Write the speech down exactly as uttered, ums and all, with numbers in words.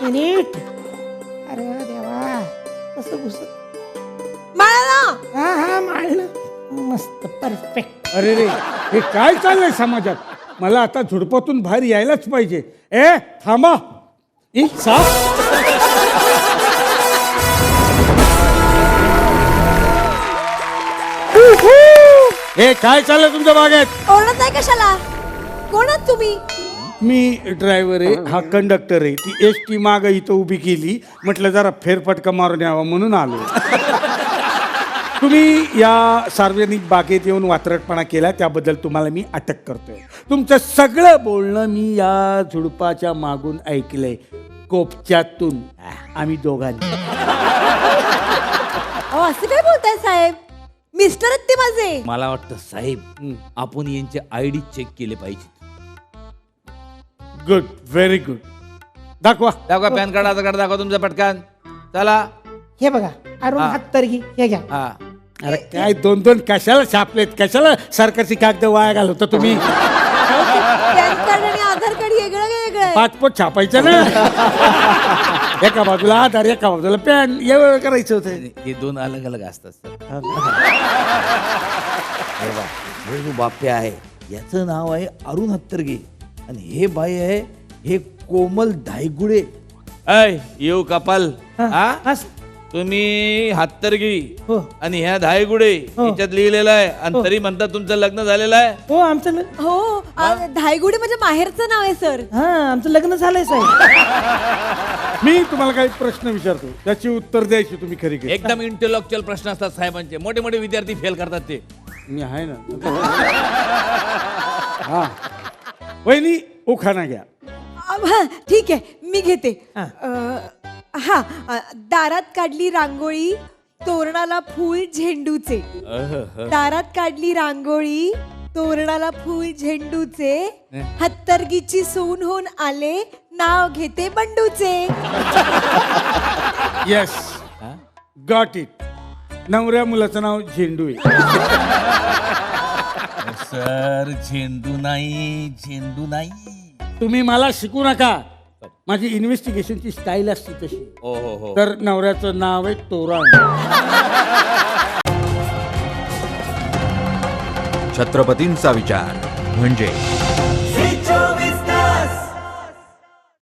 Minute. अरे देवा कसं घुस. माळा हा हा माळलं मस्त परफेक्ट. अरे रे हे काय चाललंय समाजात. मला आता झुडपातून बाहेर यायलाच पाहिजे. ए थांबा. ई साप. हे काय चाललंय तुमच्या बागेत. ओरडत आहे कशाला? कोण आहात तुम्ही? मी ड्रायव्हर आहे, हा कंडक्टर आहे. ती एस टी माग इथं उभी केली, म्हटलं जरा फेरफटका मारून यावा म्हणून आलो. तुम्ही या सार्वजनिक बागेत येऊन वात्रटपणा केला त्याबद्दल तुम्हाला मी अटक करतोय. तुमचं सगळं बोलणं मी या झुडपाच्या मागून ऐकलंय, कोपच्यातून. आम्ही दोघांनी. अहो असं काय बोलताय साहेब? मिस्टर आहेत ते माझे. मला वाटतं साहेब आपण यांचे आय डी चेक केले पाहिजे. Good, very good. दाखवा दाखवा पॅन कार्ड, आधार कार्ड दाखवा तुमचं पटकन. चला. हे बघा अरुण हा. हत्तरगी हे घ्या. हा. अरे काय दोन दोन कशाला छापलेत, कशाला सरकारची कागद वाया घालवता तुम्ही. पॅन कार्ड आणि आधार कार्ड वेगळं वेगळं आहे. पासपोर्ट छापायचं ना. एका बाजूला आधार, एका बाजूला पॅन, एवढं करायचं होतं. हे दोन अलग अलग असतात सर. अरे वा, हे जो बाप्या आहे याचं नाव आहे अरुण हत्तरगे आणि हे बाई आहे हे कोमल धायगुडे. ऐ येऊ कपाल. हा हा. तुम्ही हत्तरगी हो. आणि ह्या धायगुडे हो. याच्यात लिहिलेलं आहे आणि तरी म्हणतात तुमचं लग्न झालेलं आहे. हो आमचं ल- हो आ, धायगुडी म्हणजे माहेरचं नाव आहे सर. हा आमचं लग्न झालंय साहेब. मी तुम्हाला काही प्रश्न विचारतो, त्याची उत्तर द्यायची तुम्ही खरी खरी. एकदम इंटेलेक्च्युअल प्रश्न असतात साहेबांचे. मोठे मोठे विद्यार्थी फेल करतात ते. मी आहे ना. हा वहिनी उखाणा घ्या. अ, हा, ठीक आहे मी घेते. हा. अ, हा अ, दारात काढली रांगोळी तोरणाला फूल झेंडूचे. दारात काढली रांगोळी तोरणाला फूल झेंडूचे. हत्तरगीची सून होऊन आले नाव घेते बंडूचे. Yes, got it. नवऱ्या मुलाचं नाव झेंडू आहे. सर झेंडू नाही, झेंडू नाही. तुम्ही मला शिकू नका. माझी इन्व्हेस्टिगेशनची स्टाईल असते तशी. हो हो हो. तर नवऱ्याचं नाव आहे तोरण. छत्रपतींचा विचार म्हणजे